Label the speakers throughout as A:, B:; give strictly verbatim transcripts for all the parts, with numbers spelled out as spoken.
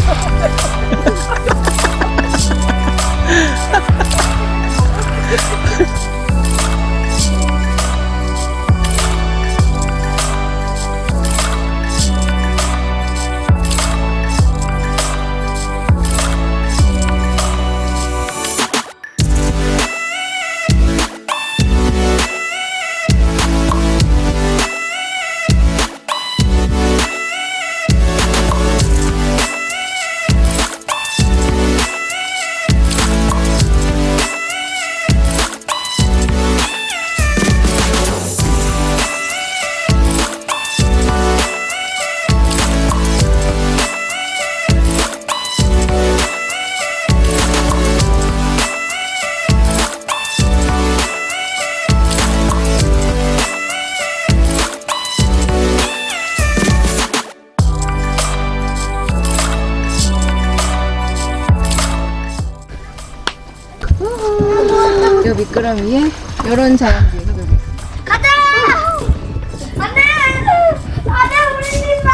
A: 요 미끄러미에 요런 자연들이 흐르고 있습니다.
B: 가자! 안돼! 안돼 우리 집아!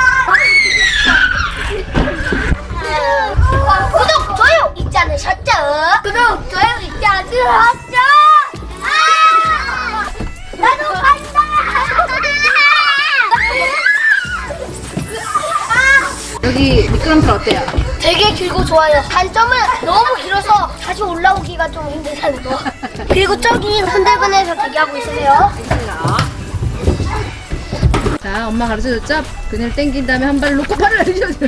B: 구독 좋아요 잊지 않으셨죠? 구독 좋아요 잊지 않으셨죠? 아! 나도 간다!
A: 여기 미끄럼틀 어때요?
B: 되게 길고 좋아요. 단점은 너무 길어서 다시 올라오기가 좀 힘들다는 거. 그리고 저기 흔들근에서 대기하고 있으세요.
A: 자, 엄마 가르쳐줬죠? 그네를 당긴 다음에 한 발을 놓고 팔을 내려줬어.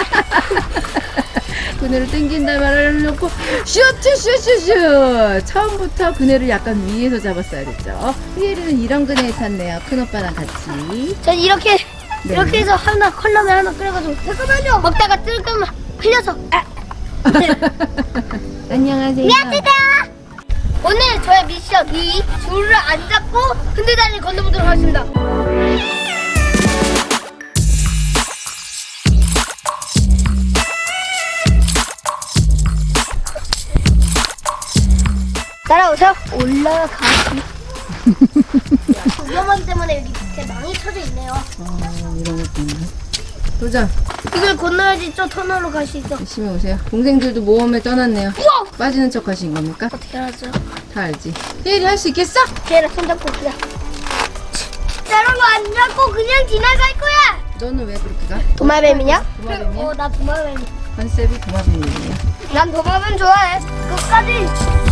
A: 그네를 당긴 다음에 발을 놓고 슈슈슈슈슈. 처음부터 그네를 약간 위에서 잡았어야 됐죠. 희엘이는 이런 그네에 탔네요. 큰 오빠랑 같이.
B: 전 이렇게
A: 네.
B: 이렇게 해서 하나 컬럼에 하나 끓여가지고 잠깐만요. 먹다가 뜨거면 흘려서. 아.
A: 안녕하세요.
B: 미안합니다. 오늘 저의 미션 이 줄을 안 잡고 흔들다리를 건너보도록 하겠습니다. 따라오세요. 올라가기. 위험하기 때문에 여기 밑에 망이 쳐져 있네요.
A: 어, 이런 것도 있네. 도전.
B: 이걸 건너야지 저 터널로 갈 수 있어.
A: 열심히 오세요. 동생들도 모험에 떠났네요.
B: 우와!
A: 빠지는 척 하신 겁니까?
B: 어떻게 알았죠?
A: 다 알지. 희엘이 할 수 있겠어?
B: 걔랑 손잡고 그냥. 여러분 안 잡고 그냥 지나갈 거야.
A: 너는 왜 그렇게 가?
B: 도마뱀이냐?
A: 도마뱀이야?
B: 어, 나 도마뱀.
A: 컨셉이 도마뱀이에요.
B: 난 도마뱀 좋아해. 끝까지.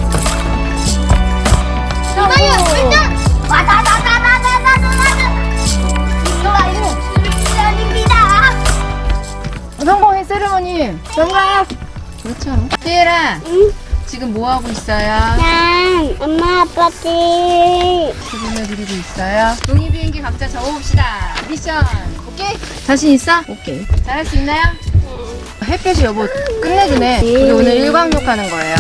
B: 이거요, 일단. 와다다다다다다다다. 이거요, 미션입니다.
A: 성공해, 세레머니.
B: 정말.
A: 그렇죠. 희엘아,
B: 응?
A: 지금 뭐 하고 있어요?
B: 난 엄마 아빠한테
A: 그림을 그리고 있어요. 종이 비행기 각자 적어봅시다. 미션. 오케이? 자신 있어? 오케이. 잘할 수 있나요? 햇볕이 여보 끝내주네. 우리 오늘 일광욕 하는 거예요.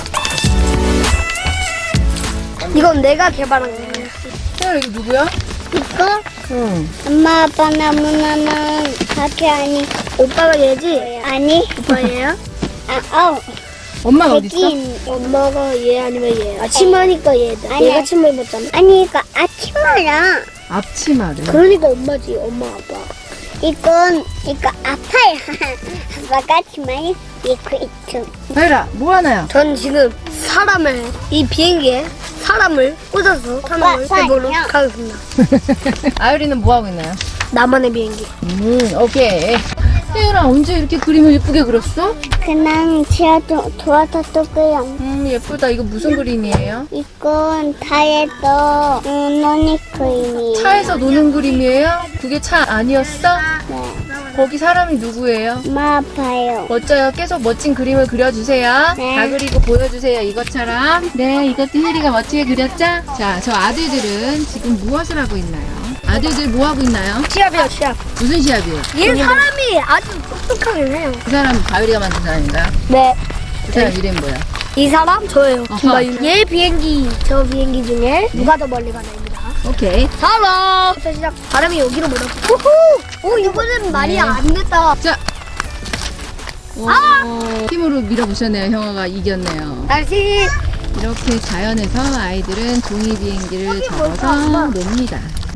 B: 이건 내가 개발한 거야.
A: 희엘 이거 누구야?
B: 이거?
A: 응.
B: 엄마 아빠 나무나는 같이 아니. 오빠가 얘지? 아니. 오빠 얘야? 아, 어.
A: 엄마가 어디 있어?
B: 엄마가 얘 아니면 얘. 아침하니까 얘다. 얘가 침을 입었잖아.
C: 아니 이거 아침마야.
A: 앞치마를.
B: 그러니까 엄마지, 엄마 아빠.
C: 이건 이거 아파요. 아빠가 치마에 입고 있죠.
A: 희엘아, 뭐 하나요?
B: 전 지금 사람을 이 비행기에 사람을 꽂아서 타는 걸 해보도록
C: 사람이요?
B: 하겠습니다.
A: 아유리는 뭐 하고 있나요?
B: 나만의 비행기.
A: 음, 오케이. 희엘아, 언제 이렇게 그림을 예쁘게 그렸어?
C: 그냥 제가 도, 도와줬고요.
A: 음, 예쁘다. 이거 무슨 그림이에요?
C: 이건 다이어트 음, 노니 크림이에요.
A: 차에서 노는 그림이에요? 그게 차 아니었어?
C: 네.
A: 거기 사람이 누구예요?
C: 엄마 아파요.
A: 멋져요. 계속 멋진 그림을 그려주세요.
C: 네.
A: 다 그리고 보여주세요. 이것처럼. 네, 이것도 혜리가 멋지게 그렸죠? 자, 저 아들들은 지금 무엇을 하고 있나요? 아들들 뭐 하고 있나요?
B: 시합이요, 시합.
A: 무슨 시합이에요?
B: 얘 사람이 아주 똑똑하긴 해요.
A: 그 사람 가을이가 만든 사람인가요?
B: 네.
A: 그 사람 이름이 뭐야?
B: 이 사람 저예요.
A: 어허.
B: 김바윤. 얘 비행기, 저 비행기 중에 누가 더 멀리 가나입니다.
A: 오케이.
B: 사람. 자, 시작. 바람이 여기로 몰아. 우후. 오, 이거는 말이
A: 네.
B: 안 됐다.
A: 자. 오, 힘으로 밀어보셨네요. 형아가 이겼네요.
B: 다시.
A: 이렇게 자연에서 아이들은 종이 비행기를 접어서 놉니다.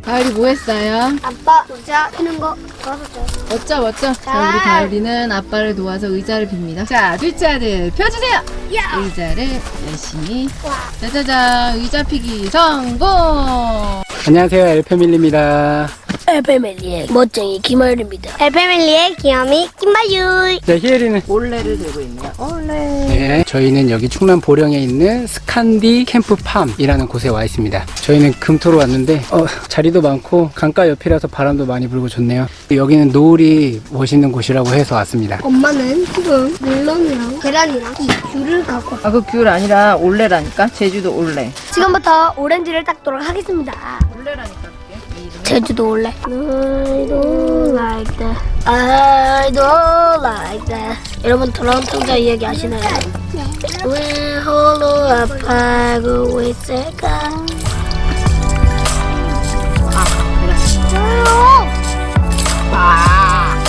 A: 가을이 뭐 했어요?
B: 아빠 의자 피는 거 도와줬어요.
A: 멋져 멋져. 자, 우리 가을이는 아빠를 도와서 의자를 빕니다. 자, 둘째 아들 펴주세요.
B: 야!
A: 의자를 열심히.
B: 와.
A: 짜자잔, 의자 피기 성공.
D: 안녕하세요, 엘패밀리입니다.
B: 엘패밀리의 멋쟁이 김하율입니다. 엘패밀리의 귀염이 김바율.
D: 네, 희엘이는
A: 올레를 들고 있네요. 올레.
D: 네, 저희는 여기 충남 보령에 있는 스칸디 캠프팜이라는 곳에 와 있습니다. 저희는 금토로 왔는데 어, 자리도 많고 강가 옆이라서 바람도 많이 불고 좋네요. 여기는 노을이 멋있는 곳이라고 해서 왔습니다.
B: 엄마는 지금 멜론이랑 계란이랑 이 귤을 갖고 왔어요.
A: 아, 그 귤 아니라 올레라니까. 제주도 올레.
B: 지금부터 오렌지를 닦도록 하겠습니다.
A: 올레라니까 그게.
B: 제주도 올래. I don't like that. I don't like that. 여러분 돌아온 통자 이야기 아시나요? 왜 홀로 아파하고 있을까? 아,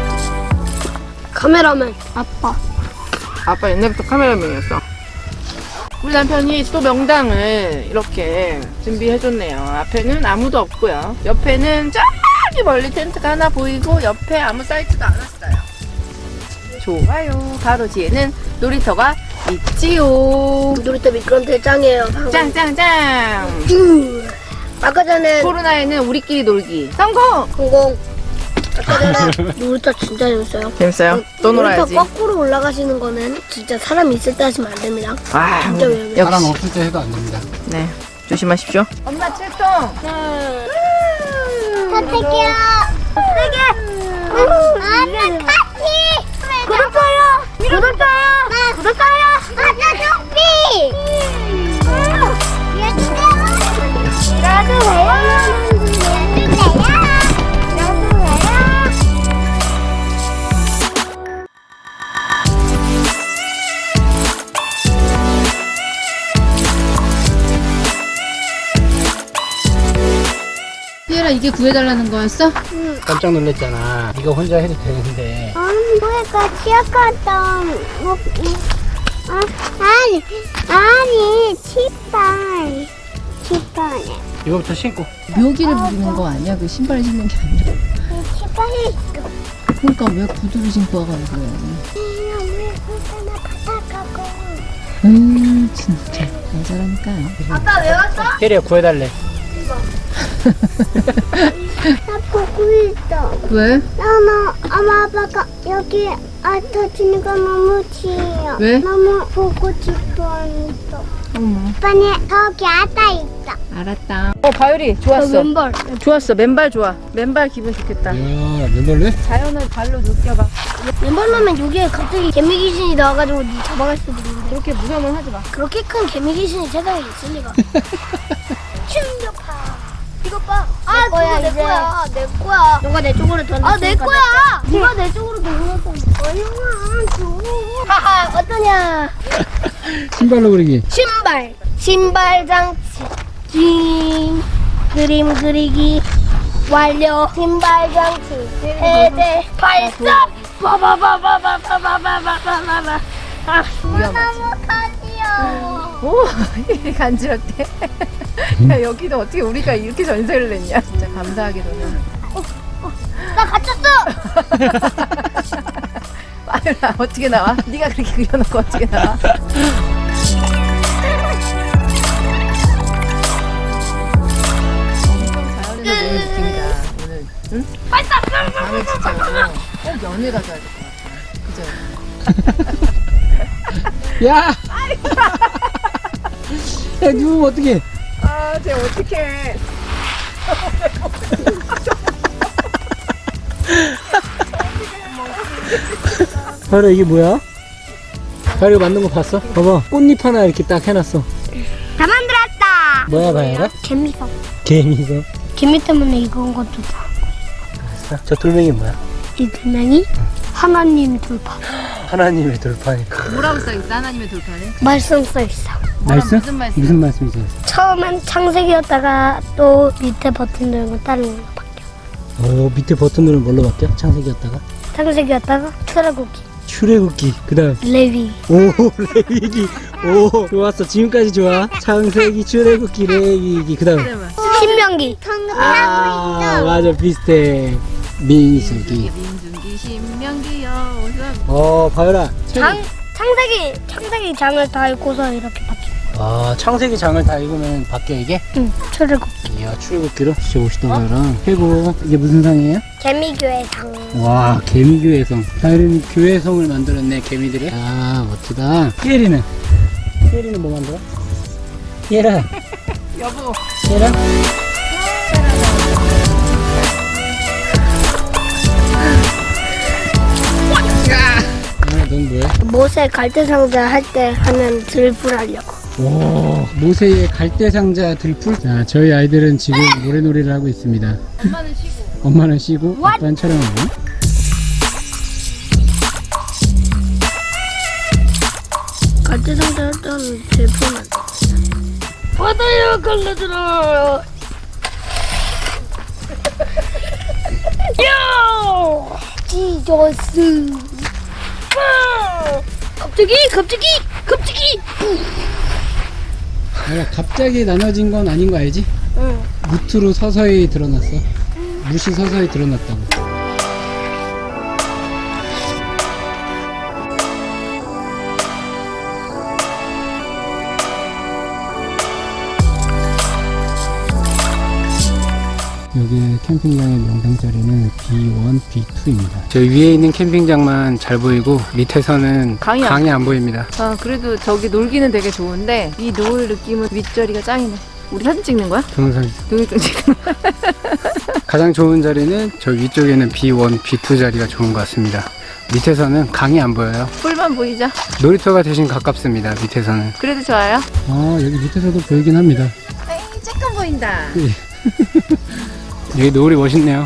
B: 카메라맨 아빠.
A: 아빠 옛날부터 카메라맨이었어. 우리 남편이 또 명당을 이렇게 준비해줬네요. 앞에는 아무도 없고요. 옆에는 저기 멀리 텐트가 하나 보이고 옆에 아무 사이트가 안 왔어요. 좋아요. 바로 뒤에는 놀이터가 있지요.
B: 놀이터 미끄럼틀 짱이에요. 방금.
A: 짱짱짱.
B: 음. 아까 전에
A: 코로나에는 우리끼리 놀기 성공.
B: 공공. 아까 전에 놀이터 진짜 재밌어요.
A: 재밌어요? 또 놀아야지.
B: 놀이터 거꾸로 올라가시는 거는 진짜 사람 있을 때 하시면 안 됩니다.
A: 아,
B: 진짜 위험해요.
A: 역시.
D: 바람 없을 때 해도 안 됩니다.
A: 네, 조심하십시오. 엄마 출동.
C: 선택해요. 세게. 엄마 같이.
B: 구독자요. 구독자요. 구독자요.
C: 아빠 좀비. 나도 왜요? 나도 왜요? 나도 왜요?
A: 피에라, 이게 구해달라는 거였어?
D: 깜짝 놀랐잖아. 네가 혼자 해도 되는데.
C: 아니, 뭐가 치약갔던 뭐, 아, 아니, 아니, 치발, 치발에,
D: 이거부터 신고.
A: 묘기를 부리는 거 아니야? 그 신발 신는 게 아니라.
C: 치발이
A: 그러니까 왜 구두를 신고 와가는 거야?
C: 왜 그렇게나 바닥하고?
A: 음, 진짜 안 잘하니까요.
B: 아빠 왜 왔어?
D: 희엘이가 구해달래.
C: 나 보고 있어.
A: 왜?
C: 나는 엄마 아빠가 여기 앉아지는 거 너무 싫어.
A: 왜?
C: 너무 보고 싶었어.
A: 어머,
C: 아빠는 저기 앉아 있어.
A: 알았다. 어, 가율이 좋았어.
B: 왼발.
A: 좋았어. 맨발 좋아. 맨발 기분 좋겠다.
D: 이야, 맨발래?
A: 자연을 발로 느껴봐.
B: 왼발로면 여기에 갑자기 개미 귀신이 나와가지고 니 잡아갈 수도 있는데
A: 그렇게 무서움은 하지 마.
B: 그렇게 큰 개미 귀신이 세상에 있을 리가. 충격파. 이거 봐. 아,
C: 거야,
B: 내
C: 이제.
B: 거야. 내 거야. 너가 내 쪽으로 던졌어. 아, 내 거야. 네가 내 쪽으로 던졌어.
C: 얼마 줘.
B: 하하, 어떠냐?
D: 신발로 그리기.
B: 신발. 신발 장치. 징. 그림 그리기. 완료. 신발 장치. 해제. 발사. 바바바바바바바바바바바. 아,
A: 위험하지.
C: 가지요.
A: 오, 간지럽대. 야, 여기도 어떻게 우리가 이렇게 전세를 냈냐. 진짜 감사하게도는.
B: 나 갇혔어.
A: 아유라, 어떻게 나와? 네가 그렇게 그려놓고 어떻게 나와? 엄청 자연에서 노는 느낌이다, 오늘. 응? 다음에 진짜 이거 꼭 연애 가져야 될 것 같아. 그죠?
D: 야! 야, 누우면 어떡해?
A: 아, 쟤 어떡해.
D: 바로 이게 뭐야? 바로 이거 만든 거 봤어? 봐봐, 꽃잎 하나 이렇게 딱 해놨어.
B: 다 만들었다.
D: 뭐야, 바야가?
B: 개미석.
D: 개미서.
B: 개미 때문에 이건 것도 다.
D: 알았어. 저 돌멩이 뭐야?
B: 이 두명이 하나님 돌파.
D: 하나님의 돌파니까.
A: 뭐라고 써있어, 하나님의 돌파는?
B: 말씀 써 있어.
D: 말씀?
A: 무슨 말씀?
D: 무슨 말씀이세요?
B: 처음엔 창세기였다가 또 밑에 버튼 누르면 다른 걸로 바뀌어.
D: 어, 밑에 버튼 누르면 뭘로 바뀌어? 창세기였다가?
B: 창세기였다가 출애굽기,
D: 출애굽기. 그 다음.
B: 레위.
D: 오, 레위기. 오, 좋았어. 지금까지 좋아. 창세기, 출애굽기, 레위기. 그 다음.
B: 신명 신명기.
C: 방금
D: 아,
C: 하고 있어.
D: 맞아. 비슷해. 민수기.
A: 민중기 신명기여.
D: 어, 바유라.
B: 장 창세기 창세기 장을 다 읽고서 이렇게 바뀌어.
D: 아, 창세기 장을 다 읽으면 바뀌어, 이게?
B: 응. 출애굽.
D: 이야, 출애굽기로? 진짜 멋있다, 바유라. 최고. 이게 무슨 상이에요?
B: 개미교회 장.
D: 와, 개미교회성. 바유라는 교회성을 만들었네, 개미들이. 아, 멋지다. 피에리는? 피에리는 뭐 만들어? 피에라.
A: 여보.
D: 피에라? 아, 넌 뭐해?
B: 모세 갈대상자 할 때 하는 들불 하려고.
D: 오, 모세의 갈대상자 들풀. 자, 저희 아이들은 지금 노래놀이를 하고 있습니다.
A: 엄마는 쉬고.
D: 엄마는 쉬고 아빠는 촬영하고.
B: 갈대상자 할 때는 들불만. 바다야 갈라들어. 야! 지저스. 아! 갑자기 갑자기 갑자기.
D: 내가 갑자기 나눠진 건 아닌 거 알지?
B: 응.
D: 무트로 서서히 드러났어. 무시 서서히 드러났다고. 여기 캠핑장의 명당 자리는 비 원, 비 투입니다. 저 위에 있는 캠핑장만 잘 보이고 밑에서는
A: 강이
D: 강이 안 보입니다.
A: 아, 그래도 저기 놀기는 되게 좋은데 이 노을 느낌은 윗자리가 짱이네. 우리 사진 찍는 거야?
D: 동영상
A: 동영상 찍는 거야?
D: 가장 좋은 자리는 저 위쪽에는 비 원, 비 투 자리가 좋은 것 같습니다. 밑에서는 강이 안 보여요.
A: 풀만 보이자.
D: 놀이터가 대신 가깝습니다. 밑에서는.
A: 그래도 좋아요.
D: 아, 여기 밑에서도 보이긴 합니다.
A: 에이, 조금 보인다.
D: 여기 노을이 멋있네요.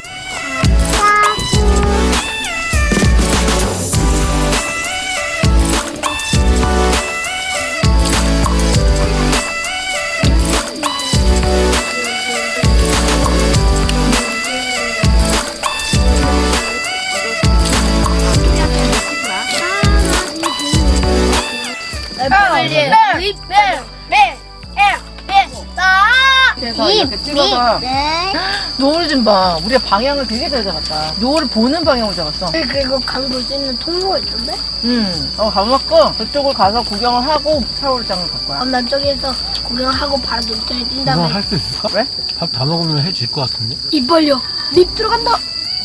A: 그래서 이렇게 찍어서 노을 좀 봐. 우리가 방향을 되게 잘 잡았다. 노을을 보는 방향을 잡았어.
B: 그리고 강 볼 수 있는 통로가 있던데?
A: 음, 어, 가봤고 저쪽을 가서 구경을 하고 샤워장을 갈 거야.
B: 그럼 난 저기에서 구경하고 바로 놀이터에 뛴 다음에
E: 할 수 있을까?
A: 왜?
E: 밥 다 먹으면 해질 것 같은데?
B: 입 벌려. 립 들어간다.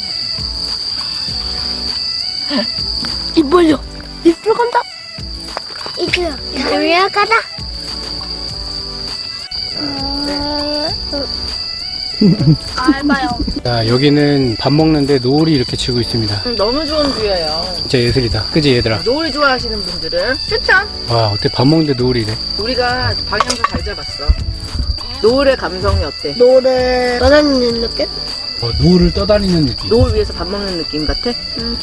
B: 입 벌려. 립 들어간다.
C: 이거 올라가다.
B: 알바요.
D: 자, 여기는 밥 먹는데 노을이 이렇게 치고 있습니다.
A: 음, 너무 좋은 뷰예요.
D: 진짜 예술이다. 그지 얘들아?
A: 노을 좋아하시는 분들은 추천.
D: 와, 어때? 밥 먹는데 노을이 이래?
A: 우리가 방향도 잘 잡았어. 노을의 감성이 어때?
B: 노래 떠다니는 느낌?
D: 어, 노을을 떠다니는 느낌.
A: 노을 위에서 밥 먹는 느낌 같아?
B: 응.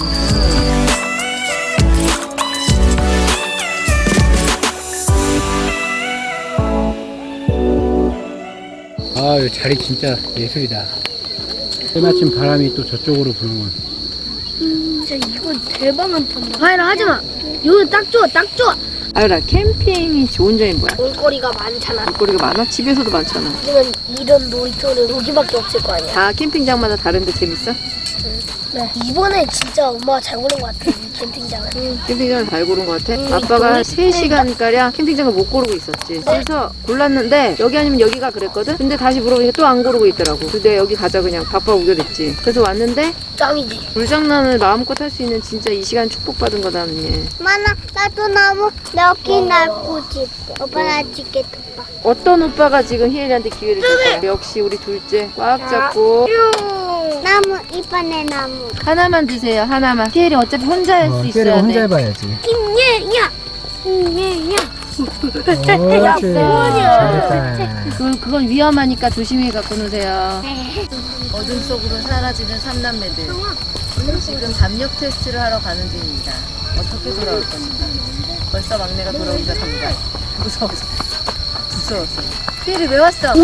D: 아, 이 자리 진짜 예술이다. 때마침 바람이 또 저쪽으로 부는군.
B: 진짜 이거 대박 많던데. 화이라 하지 마. 이거 딱 좋아, 딱 좋아.
A: 아유라, 캠핑이 좋은 점이 뭐야?
B: 볼거리가 많잖아.
A: 볼거리가 많아? 집에서도 많잖아.
B: 하지만 이런 놀이터는 여기밖에 없을 거 아니야.
A: 다 캠핑장마다 다른데 재밌어?
B: 네. 이번에 진짜 엄마가 잘 고른 것 같아. 이 캠핑장을. 응.
A: 캠핑장을 잘 고른 것 같아?
B: 음,
A: 아빠가
B: 이거
A: 세 시간가량 캠핑장을 못 고르고 있었지. 그래서 골랐는데 여기 아니면 여기가 그랬거든? 근데 다시 물어보니까 또 안 고르고 있더라고. 그래서 내가 여기 가자 그냥 바빠 우겨댔지. 그래서 왔는데
B: 짱이지.
A: 불장난을 마음껏 할 수 있는 진짜 이 시간 축복받은 거다 언니.
C: 만나 나도 너무 여기 날고 싶어. 오빠 나 찍게 봐.
A: 어떤 오빠가 지금 희엘이한테 기회를 줄까? 역시 우리 둘째 꽉 잡고
C: 나무 이번에 나무.
A: 하나만 드세요. 하나만. 희엘이 어차피 혼자 할 수 있어야 돼.
D: 해봐야지.
C: 임예야. 임예야.
D: 옳지. 잘했다.
A: 그건, 그건 위험하니까 조심히 갖고 노세요. 어둠 속으로 사라지는 삼남매들. 지금 담력 테스트를 하러 가는 중입니다. 어떻게 돌아올 것인가. 벌써 막내가 돌아오기 시작합니다. 무서워서. 무서웠어. 희엘이 왜 왔어?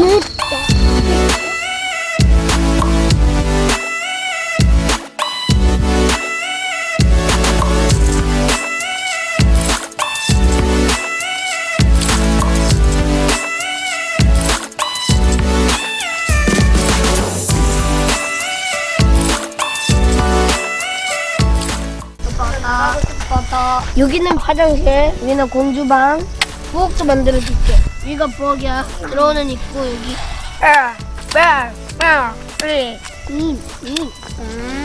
B: 아빠다. 여기는 화장실, 여기는 공주방. 부엌도 만들어줄게. 여기가 부엌이야. 들어오는 입구 여기. 아, 아, 아, 음, 음, 음.